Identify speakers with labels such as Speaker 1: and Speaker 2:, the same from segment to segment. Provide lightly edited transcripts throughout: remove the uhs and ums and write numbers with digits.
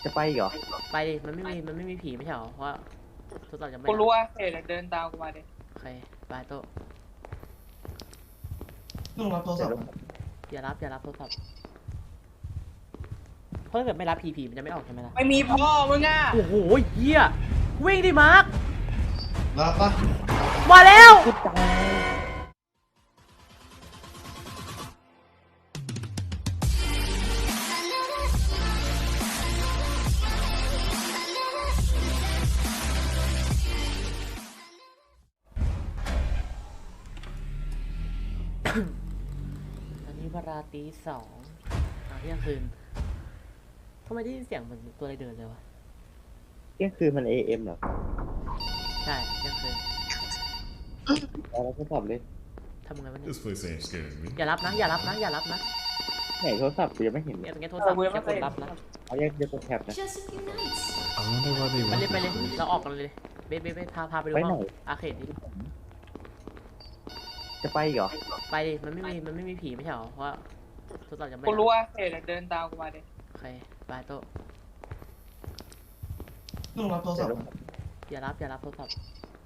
Speaker 1: จะไปเหรอ
Speaker 2: ไปดิมันไม่มีผีไม่ใช่หรอเพราะทดสอบจะไม่
Speaker 3: กูรู้ว่าเดี๋ยวเดินตามกูมาดิ
Speaker 2: โอเคไปโต้
Speaker 4: ต้องรับโทรศัพท์
Speaker 2: อย่ารับโทรศัพท์เพราะถ้าเกิดไม่รับผีมันจะไม่ออกใช่ไหมล่ะ
Speaker 3: ไม่มีพ่อมึงอ่ะ
Speaker 2: โอ้โหเหี้ยวิ่งดิมาร์ครับ
Speaker 4: ปะ
Speaker 2: มาแล้วอันนี้เวลาตี 2เที่ยงคืนทำไมได้ยินเสียงเหมือนตัวอะไรเดินเลยวะ
Speaker 1: เที่ยงคืนมัน AM เหรอ
Speaker 2: ใช่เที่ยงคืน
Speaker 1: แล้วโทรศัพท์เลย
Speaker 2: ทำไงวะเนี่ย
Speaker 5: This place ain't scaring me.
Speaker 2: อย่ารับนะ
Speaker 1: ไหนโทรศัพท์กูยังไม่เห็นเลย
Speaker 2: งั้นโทรศัพท์จะกดรับนะ
Speaker 1: เอาแยกกดแท็บนะ
Speaker 5: I wonder why they
Speaker 2: ไป
Speaker 5: want
Speaker 2: เลย
Speaker 5: me to
Speaker 2: เราออกกันเลยเบสพาไปดูห้องอาร์เคดดิ
Speaker 1: จะไปเหรอ
Speaker 2: ไปดิมันไม่มีผีไม่ใช่หรอเพราะทดสอบจะไม่
Speaker 3: กูรู้ว่าเดี๋ยวเดินตามกูมาดิ
Speaker 2: โอเคไปโต้
Speaker 4: ต้องรับโทรศัพท์
Speaker 2: อย่ารับโทรศัพท์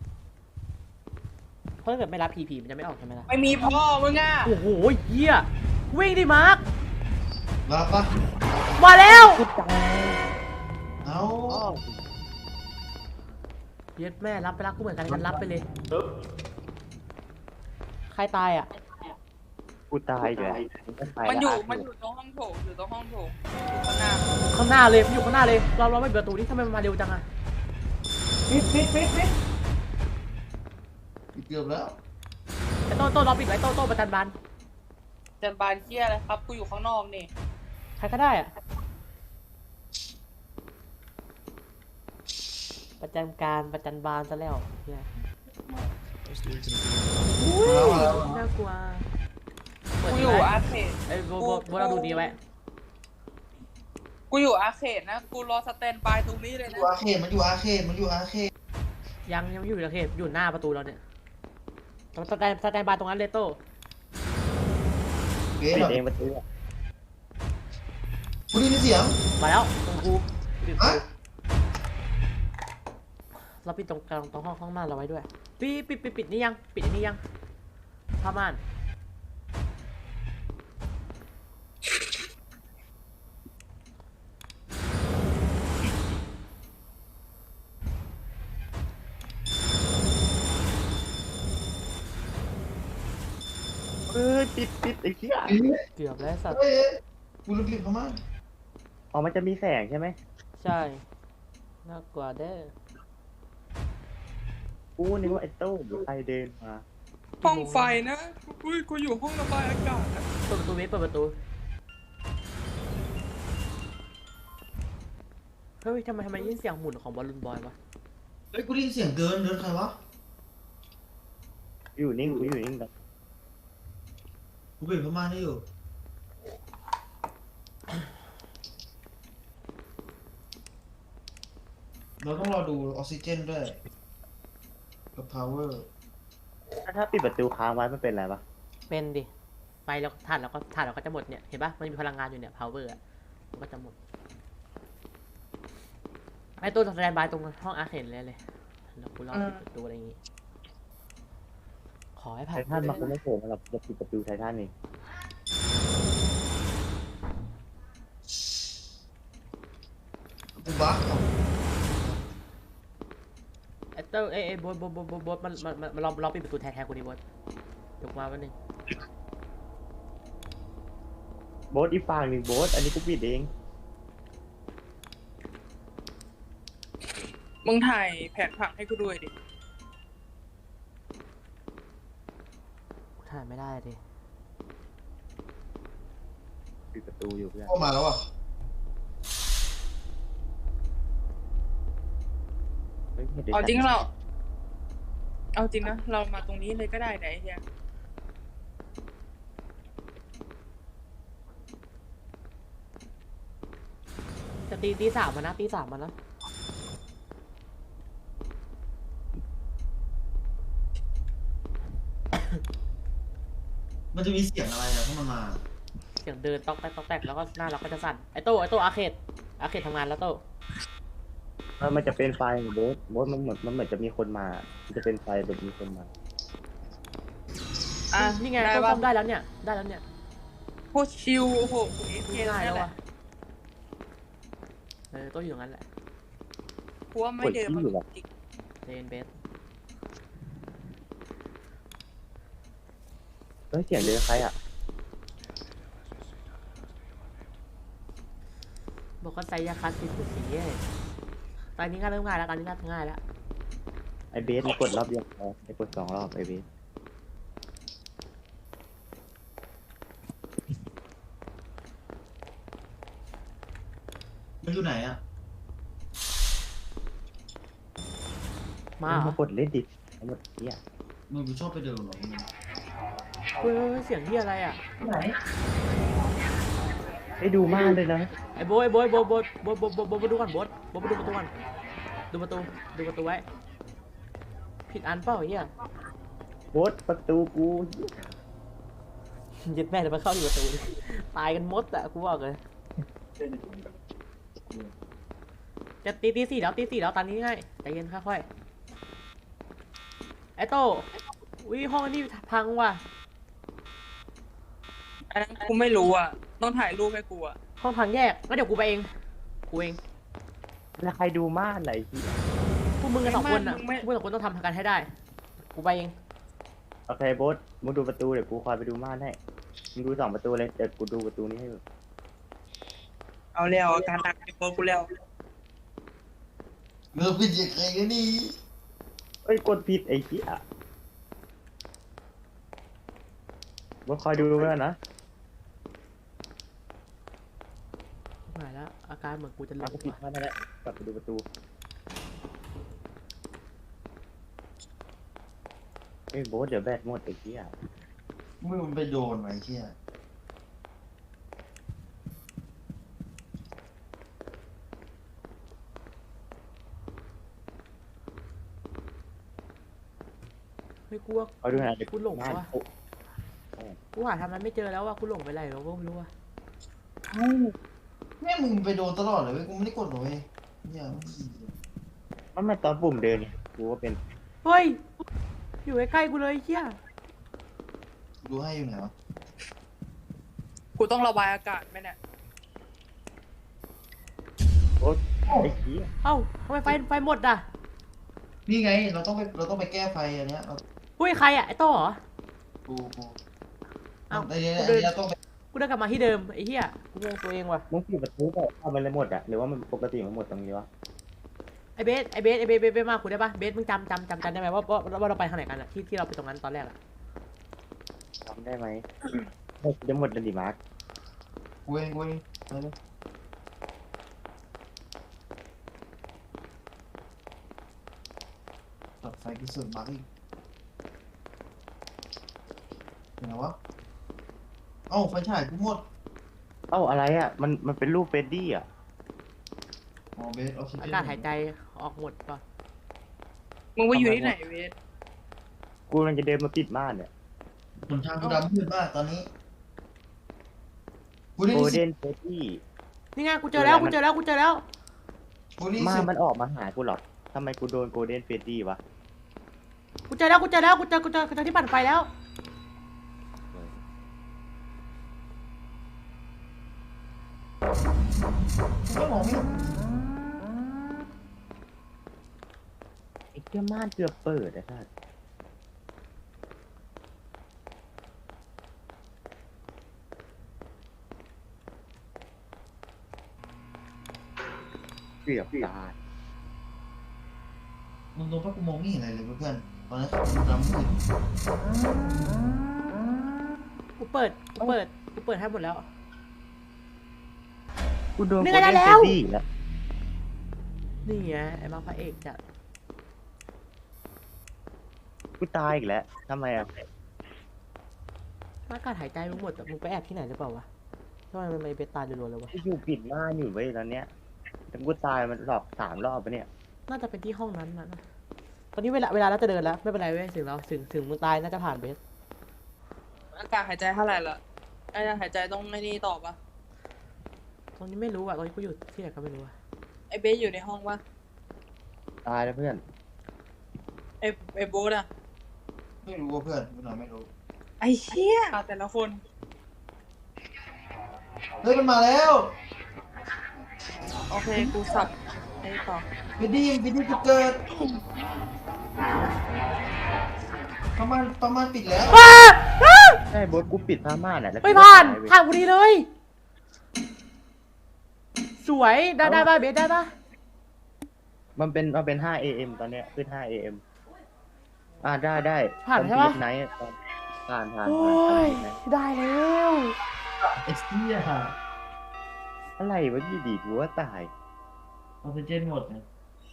Speaker 2: เพราะถ้าเกิดไม่รับผีมันจะไม่ออกใช่ไหมล่ะ
Speaker 3: ไม่มีพ่อมึงอ่ะ
Speaker 2: โอ้โหเหี้ยวิ่งดิมาร์ครับ
Speaker 4: ปะ
Speaker 2: มาแล้ว
Speaker 4: เอา
Speaker 2: เย็ดแม่รับไปรักกูเหมือนกันกันรับไปเลยใครตายอ่ะ
Speaker 1: กูตายเลย
Speaker 3: มันอยู่ตรงห้องโถงอยู่ข้างหน้า
Speaker 2: ข้างหน้าเลยมันอยู่ข้างหน้าเลยเราไม่เปิดประตูนี่ทำไมมันมาเร็วจังอ่ะ
Speaker 4: ปิดเกือบแล้ว
Speaker 2: ไอ้โต้เราปิดไว้โต้ประจันบาน
Speaker 3: จันบานเที่ยอะไรครับกูอยู่ข้างนอกนี่
Speaker 2: ใครก็ได้อ่ะประจันบานซะแล้วเนี่ย
Speaker 5: What's the exit?
Speaker 2: น่ากลัว
Speaker 3: กูอยู่อาร์เคด
Speaker 2: ไอ้โบเราดูดีไว้
Speaker 3: กูอยู่อาร์เคดนะกูรอสแตนบายตรงนี้เลยนะ
Speaker 4: อยู่อาร์เคดมันอยู่อาร์เคด
Speaker 2: ยังไม่อยู่ในเขตอยู่หน้าประตูเราเนี่ยสแตนบายตรงนั้นเลยโต้
Speaker 4: เกม
Speaker 1: ปิด
Speaker 4: แบบ
Speaker 1: เองประตู
Speaker 4: กูได้ยินเสียง
Speaker 2: มาแล้วตรงกูเราปิดตรงห้องม่านเราไว้ด้วยปิดนี่ยังปิดนี่ยังผ้าม่าน
Speaker 1: ปิดไอ้เหี้ย
Speaker 2: เกือบแล้วสัตว์
Speaker 4: กูลืมปิดเข้ามา
Speaker 1: อ๋อมันจะมีแสงใช่ไหม
Speaker 2: ใช่น่ากลัวเด้อ
Speaker 1: กูนึกว่าไอ้โต้ใครเดินมา
Speaker 3: ห้องไฟนะกูอยู่ห้องระบายอากาศ
Speaker 2: เปิดประตูเปิดประตูเฮ้ยทำไมได้ยินเสียงหมุนของบอลลูนบอยวะ
Speaker 4: เฮ้ยกูได้ยินเสียงเดินใครวะ
Speaker 1: อยู่นิ่งแบบ
Speaker 4: กูปิดเข้ามาได้อยู่เราต้องรอดูออกซิเจนด้วยกับพาวเวอร์
Speaker 1: ถ้าปิดประตูค้างไว้มันเป็นไรปะ
Speaker 2: เป็นดิไฟแล้วถ่านเราก็จะหมดเนี่ยเห็นปะมันมีพลังงานอยู่เนี่ย power อ่ะมันก็จะหมดไอ้ตัวสแตนบายตรงห้องอาร์เคดเลยแล้วกูรอปิดประตูอะไรอย่างงี้ขอให้ผ่าน
Speaker 1: ไททันมาคงไม่โผล่มาหรอกจะปิดประตูไททันเอง
Speaker 4: กูบ้า
Speaker 2: ไอ้เต้โบ๊ทมันลองปิดประตูแทนกูดิโบ๊ทยกมาวันนึง
Speaker 1: โบ๊ทอีกฝั่งหนึ่งโบ๊ทอันนี้กูปิดเอง
Speaker 3: มึงถ่ายแผนผังให้กูด้วยดิ
Speaker 2: ถ่ายไม่ได้ดิ
Speaker 1: ปิดประตูอยู่เพื่อน
Speaker 4: เข้ามาแล้วอ่ะ
Speaker 3: เอาจริงนะเรามาตรงนี้เลยก็ได้ไหนเฮีย
Speaker 2: จะตีสามมานะ
Speaker 4: มันจะมีเสียงอะไรอะถ้ามันมา
Speaker 2: เสียงเดินต๊อกแตกแล้วก็หน้าเราก็จะสั่นไอ้โต้อาร์เคดทำงานแล้วโต้
Speaker 1: มันจะเป็นไฟโบ๊ทมันเหมือนจะมีคนมา มันจะเป็นไฟแบบมีคนมา
Speaker 3: อ่ะ
Speaker 2: นี่ไง
Speaker 3: ได้
Speaker 2: ต้น
Speaker 3: ปะ
Speaker 2: ส้มได้แล้วเนี่ยได้แล้วเนี่ย
Speaker 3: โคตรชิวโอ้โหกูเอฟเค
Speaker 2: ง่าย
Speaker 3: นั่
Speaker 2: แล้ว
Speaker 3: นแห
Speaker 2: ว่ะ
Speaker 3: ละ
Speaker 2: ต้นอยู่ตรงนั้นแหละ
Speaker 3: กูว่าไม่เดินมาจริง
Speaker 2: เจนเบส
Speaker 1: เฮ้ยเสียงเดินใครอ่ะ
Speaker 2: บอกว่าไซยาคัสสีสุดสีตอนนี้ก็เริ่มง่ายแล้วตอนนี้น่าจะง่ายแล้ว
Speaker 1: ไอเบสมันกดรอบเดียวพอไอกด2 รอบไอเบส
Speaker 4: มันอยู่ไหนอ่ะ
Speaker 2: มาเหร
Speaker 1: มา
Speaker 2: อก
Speaker 1: ดเล่นดิทั้งหมดเนี่ย
Speaker 4: มึงชอบไปเดินเหรอมึง
Speaker 2: เฮ้ยเสียงที่อะไรอ่ะ
Speaker 4: ไหน
Speaker 1: ได้ดูมากเลยนะ
Speaker 2: ไอ้โบ๊ทดูก่อนโบ๊ทไปดูประตูก่อนดูประตูไว้ผิดอันเปล่าไอ้เหี้ย
Speaker 1: โบ๊ทประตูกู
Speaker 2: ยึดแม่จะมาเข้าอยู่ประตูตายกันหมดอะกูบอกเลยจะตีสี่แล้วตอนนี้ง่ายใจเย็นค่อยๆไอ้โต้อุ้ยห้องนี้พังว่ะ
Speaker 3: อันนั้นกูไม่รู้อ่ะต้องถ่ายรูปให้กูอ่ะ
Speaker 2: ห้องพังแยกงั้นเดี๋ยวกูไปเอง
Speaker 1: แล้วใครดูมากไหนที่
Speaker 2: พวกมึงกันสองคนอ่ะพวกมึงสองคนต้องทำกันให้ได้ กูไปเอง
Speaker 1: โอเคโบ๊ทมึงดูประตูเดี๋ยวกูคอยไปดูม่านให้มึงดู2 ประตูเลยเดี๋ยวกูดูประตูนี้ให้ดู
Speaker 3: เอาแล้วอาการหนักในตัวกูแล้ว
Speaker 4: เลิกเป็นยังไงกันนี่
Speaker 1: เอ้ยกดผิดไอ้เหี้ยโบ๊ทคอยดูไว้ก่อนนะ
Speaker 2: หายแล้วอาการเหมือนกูจะหล
Speaker 1: เอา
Speaker 2: ง
Speaker 1: ก็ผิด
Speaker 2: ว่ะ
Speaker 1: พลาดนั่นแหละกลับไปดูประตูเอ้ยโบ๊ทเดี๋ยวแบตหมดไอ้เหี้ย
Speaker 4: มึงมันไปโดนไว้เชี่ย
Speaker 2: เฮ้ยกูว่า
Speaker 1: เอาดูหน่อยเดี๋ยว
Speaker 2: กูหลง
Speaker 1: ม่าน
Speaker 2: วะ
Speaker 1: โอ้
Speaker 2: กูหาทำนั้นไม่เจอแล้วว่ะกูหลงไปไหนแล้วก็ไม่รู้ว่ะ
Speaker 4: แม่มึงไปโดนตลอดเลยเว้ยกูไม่ได้กดเลยเนี่ย
Speaker 1: มันตอนปุ่มเดินเนี่ยกูว่าเป็น
Speaker 2: เฮ้ยอยู่ใกล้ๆกูเลยไอ้เหี้ย
Speaker 4: ดูให้อยู่ไหนวะ
Speaker 3: กูต้องระบายอากาศไหมเนี่ย
Speaker 1: โบ๊ทไอ้เหี้ย
Speaker 2: เอ้าทำไมไฟหมดอ่ะ
Speaker 4: นี่ไงเราต้องไปแก้ไฟอันเนี้ยเรา
Speaker 2: เฮ้ยใครอ่ะไอ้โต้เหรอ
Speaker 4: กู
Speaker 2: เอ้า
Speaker 4: ไอ้เนี้ย
Speaker 2: กูเดิน
Speaker 4: ต้องไป
Speaker 2: กูเดินกลับมาที่เดิมไอ้เหี้ยกูงงตัวเองว่ะ
Speaker 1: มึงปิดประตูก็เอามันเลยหมดอะหรือว่ามันปกติมันหมดตรงนี้วะ
Speaker 2: ไอ้เบสมาคุยได้ปะเบสมึงจำได้ไหมว่าเราไปทางไหนกันอะที่เราไปตรงนั้นตอนแรกอะ
Speaker 1: ทำได้ไหมจะหมดแล้วดิมาร์ค
Speaker 4: กูเองไปเลยตัดไฟที่สุดบักอีกเห็นไหมวะเอ้าไฟฉายกูหมด
Speaker 1: เอ้าอะไรอะมันเป็นรูปเฟรดดี้อะ
Speaker 4: อ๋อเบสออกซิเจน
Speaker 2: อากาศหายใจออกหมดป่ะ
Speaker 3: มึงไปอยู่ที่ไหนเวท
Speaker 1: กูมันจะเดินมาปิดม่านเนี่ย
Speaker 4: หนทางกูดำมืดมากตอนนี้กูได้
Speaker 1: โก
Speaker 4: ยิน
Speaker 1: ล
Speaker 4: เสี
Speaker 1: เด้
Speaker 4: ยง
Speaker 1: นเฟรดดี้
Speaker 2: นี่ไงกูเจอแล้ว
Speaker 4: กูได้ยิน
Speaker 1: มา
Speaker 4: เสียง
Speaker 1: มันออกมาหากูหรอกทำไมกูโดนโกลเด้นเฟรดดี้วะ
Speaker 2: กูเจอที่ปั่นไฟแล้ว
Speaker 4: ไม่มองไม่เห็น
Speaker 1: ไอ้เจ้าม่านเกือบเปิดอะท่านเกือบตาย
Speaker 4: มึงโดนเพราะกูมองไม่เห็นอะไรเลยเพื่อนตอนนั้นกูดำมืด
Speaker 2: กูเปิดให้หมดแล้ว
Speaker 1: กูโดน
Speaker 2: นี่
Speaker 1: โกล
Speaker 2: ไง
Speaker 1: เด้น
Speaker 2: ได้
Speaker 1: เฟ
Speaker 2: แล้
Speaker 1: ร
Speaker 2: ว
Speaker 1: ดดี้แล้ว
Speaker 2: นี่ไงไอ้มาพระเอกจัด
Speaker 1: กูตายอีกแล้วทำไมอะ
Speaker 2: อากาศหายใจมึงหมดแต่มึงไปแอบที่ไหนหรือเปล่าวะทำไมมันไม่ไปตายรัวๆเลยวะ
Speaker 1: กูอยู่ปิดม่านอยู่เว้ยตอนเนี้ยแต่กูตายมันรอบ3 รอบปะเนี่ย
Speaker 2: น่าจะเป็นที่ห้องนั้นนะตอนนี้เวลาเราจะเดินแล้วไม่เป็นไรเว้ยถึงมึงตายน่าจะผ่านเบส
Speaker 3: อากาศหายใจเท่าไหร่ละอากาศหายใจต้องไอ้นี่ต่อปะ
Speaker 2: ตรงนี้ไม่รู้อ่ะตอนนี้กูอยู่ที่ไหนก็ไม่รู้อ่ะ
Speaker 3: ไอเบสอยู่ในห้องปะ
Speaker 1: ตายแล้วเพื่อน
Speaker 3: ไอ้โบ๊ทอะ
Speaker 4: ไม่รู้ว่าเพื่อนไม่หน่อยไม่รู้
Speaker 3: ไอ้เชี่ยแต่ละคน
Speaker 4: เฮ้ยมันมาแล้ว
Speaker 3: โอเคกูสับไอ้ต่อ
Speaker 4: ไปดีจะเกิดประมาณปิดแล้ว
Speaker 2: อ้าอ้า
Speaker 1: ใช่โบสกูปิดผ้าม่านอ่ะแล้ว
Speaker 2: ไม่
Speaker 1: กู
Speaker 2: ผ่าน
Speaker 1: ตยเว้ย
Speaker 2: ผ่านพอดีเลย สวยได้ป่ะเบสได้ป่ะ
Speaker 1: มันเป็น5 AM ตอนเนี้ยขึ้น5 AM ได้
Speaker 2: ผ่านใช่ปะ
Speaker 1: ไนท์ผ่าน
Speaker 2: โอ้ย ได้แล้ว
Speaker 4: ไอ้เหี้ย
Speaker 1: อะไรวะอยู่ดีกูว่าตาย
Speaker 4: ออกซิเจนหมดนะ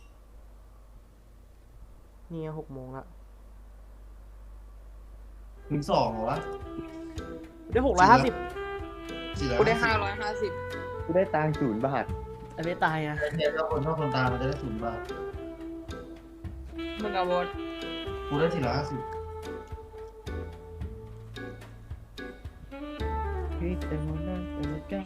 Speaker 2: นี่6 โมงละ
Speaker 4: ถึง2เหรอวะ
Speaker 2: ได้650
Speaker 3: กูได้
Speaker 4: 450
Speaker 3: 550
Speaker 1: กูได้ตังค์0 บาท
Speaker 2: ไอ้เบสตายอ่ะ
Speaker 4: เนี่ยถ้าคนตามมันจะได้0 บาท
Speaker 3: มึงกับโบ๊ท
Speaker 4: กูได้450
Speaker 1: พี่เต็มหน้าเต็มใจ